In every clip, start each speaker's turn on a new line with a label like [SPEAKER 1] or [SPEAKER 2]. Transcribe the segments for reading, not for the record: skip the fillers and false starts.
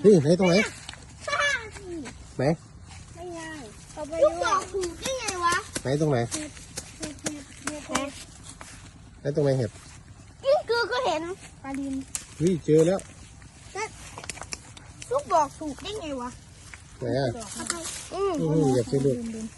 [SPEAKER 1] นี่ไหนตรงไหนไหน
[SPEAKER 2] ไม่ไงลูกบอกถูกได้ไงวะ
[SPEAKER 1] ไหนตรงไหนไหนตรงไหนเห็บ
[SPEAKER 2] นี่คือก็เห็นปลาดิน
[SPEAKER 1] เจอแล้ว
[SPEAKER 2] ลูกบอกถูกได้ไงวะ
[SPEAKER 1] ไหนอ่ะเหยียบสิลูก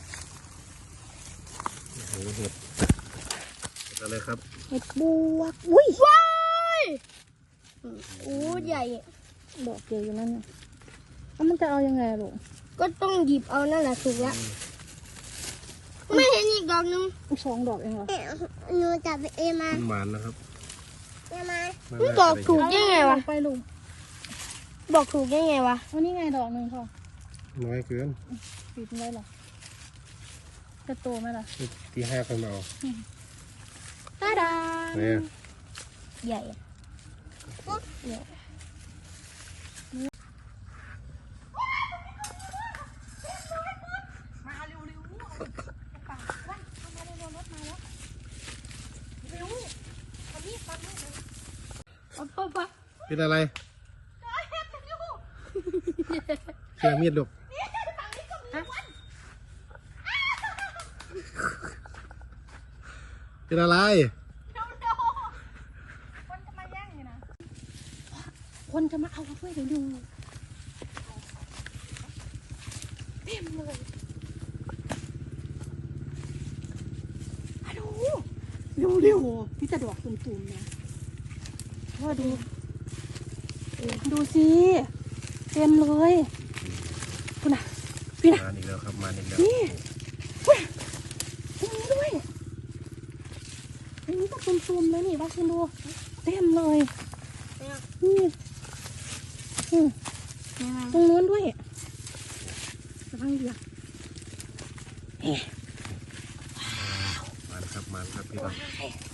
[SPEAKER 1] เห็ดอะไรครับ
[SPEAKER 2] เห็ดบวกอุ้ยว้ายโอ้ใหญ่
[SPEAKER 3] ดอกเดียวอยู่นั่นน่ะมันจะเอายังไงลูก
[SPEAKER 2] ก็ต้องหยิบเอานั่นแหละถูกแล้วไม่เห็นอีกดอกนึง
[SPEAKER 3] 2 ดอกเองเหรอ
[SPEAKER 2] หนูจับเอมา
[SPEAKER 1] หวานนะครับ
[SPEAKER 2] ลูกบอกถูกได้ไงวะ
[SPEAKER 3] ไปลุง
[SPEAKER 2] บอกถูกได้ไงวะ
[SPEAKER 3] วันนี้ไงดอกนึงพ่อ
[SPEAKER 1] น้อยเกิน
[SPEAKER 3] ปิดไว้หรอจะโตไหมล่ะ
[SPEAKER 1] ที่5คนเอา
[SPEAKER 2] ตาดา
[SPEAKER 1] เนี่ย
[SPEAKER 2] ใหญ่
[SPEAKER 1] เป็นอะไรเชื่อมีดลูกเป็นอะไร
[SPEAKER 3] คนจะมาเอาด้วยเดี๋ยวดูเต็มเลยฮัลโหลเร็วพี่จะดอกตุ่มๆเนี่ยพ่อดูสิเต็มเลยคุณน่ะพี่น่ะ
[SPEAKER 1] มาอีกแล้วครับมาอีกแล้ว
[SPEAKER 3] นี่ตรงนี้ด้วยอันนี้ก็ตุ่มๆเลยนี่ว่าคุณดูเต็มเลยนี่ตรงนู้นด้วยระวังเดือด
[SPEAKER 1] มาครับพี่น้อง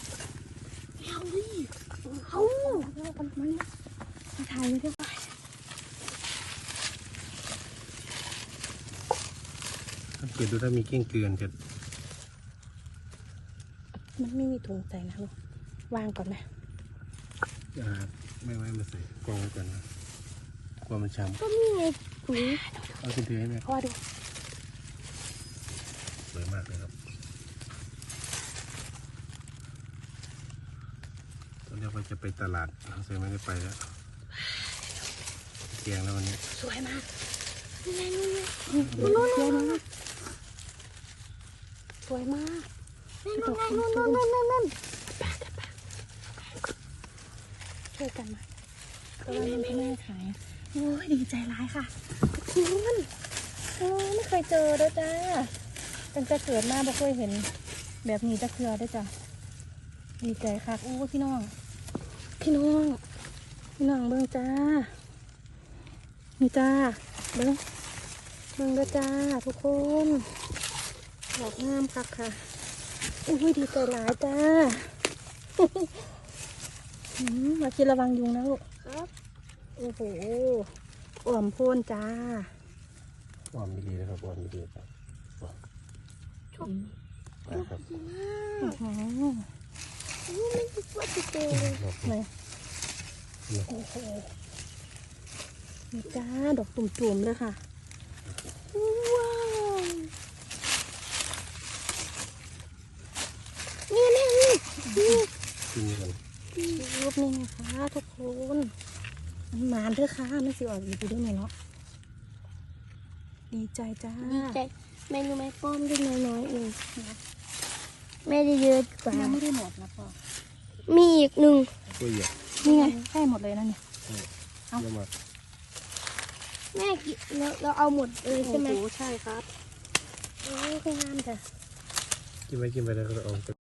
[SPEAKER 3] เอามันมาถ่ายเลยด้วย
[SPEAKER 1] ถ้าเกิดดูถ้ามีเก้งเกลือนจะ
[SPEAKER 3] มันไม่มีถุงใส่นะลูกวางก่อนไหม
[SPEAKER 1] ไม่ไว้มาใส่กองไว้ก่อนนะกลัวมันช้ำ
[SPEAKER 2] ก็มีไงถุง
[SPEAKER 1] เอาถือให้แม่
[SPEAKER 3] พ่อดู
[SPEAKER 1] สวยมากเลยครับตอนนี้เราจะไปตลาดเซไม่ได้ไปแล้วเกียงแล้ววันนี้
[SPEAKER 3] สวยมาก
[SPEAKER 2] นู่น
[SPEAKER 3] สวยมาก
[SPEAKER 2] นู่น
[SPEAKER 3] ช่วยกันมาก็ว่ามันแม่ขายโอ้ยดีใจร้ายค่ะคุณไม่เคยเจอด้วยจ้าตั้งแต่เกิดมาไม่เคยเห็นแบบนี้จะเกลือด้วยจ้ะดีใจค่ะโอ้พี่น้องเบิ่งจ้านี่จ้าเบิ่งด้วยจ้าทุกคนดอกงามค่ะโอ้ยดีใจร้ายจ้ามาคิดระวังยุงนะลูก
[SPEAKER 2] ครับ
[SPEAKER 3] โอ้โหอ่อมโพ่นจ้า
[SPEAKER 1] อ่อมดีนะครับอ่อมดีครับครับ
[SPEAKER 2] ไม่คิดว่าจะเจอ
[SPEAKER 3] เลยโอ้โหนี่จ้าดอกตุ่มๆเลยค่ะ
[SPEAKER 2] ว้าวนี่
[SPEAKER 1] กินกัน
[SPEAKER 3] รูปนี้นะคะทุกคนมันหมานด้วยค่ะมันสิออกอยู่ด้วยเนาะดีใจจ้า
[SPEAKER 2] ดีใจแม่รู้ไหมป้อมได้น้อยๆเองแม่ได้เยอะกว่า
[SPEAKER 3] ยังไม่ได้หมดนะพ่อ
[SPEAKER 2] มีอีกหนึ่ง
[SPEAKER 1] ตัวใหญ่
[SPEAKER 3] นี่ไงใกล้หมดเลยนะเนี่ย
[SPEAKER 1] เอามา
[SPEAKER 2] แม่เราเอาหมดเลยใช่ไหม
[SPEAKER 3] ใช่ครับโอ้ยงามจ้ะ
[SPEAKER 1] กินไปแล้วก็เอา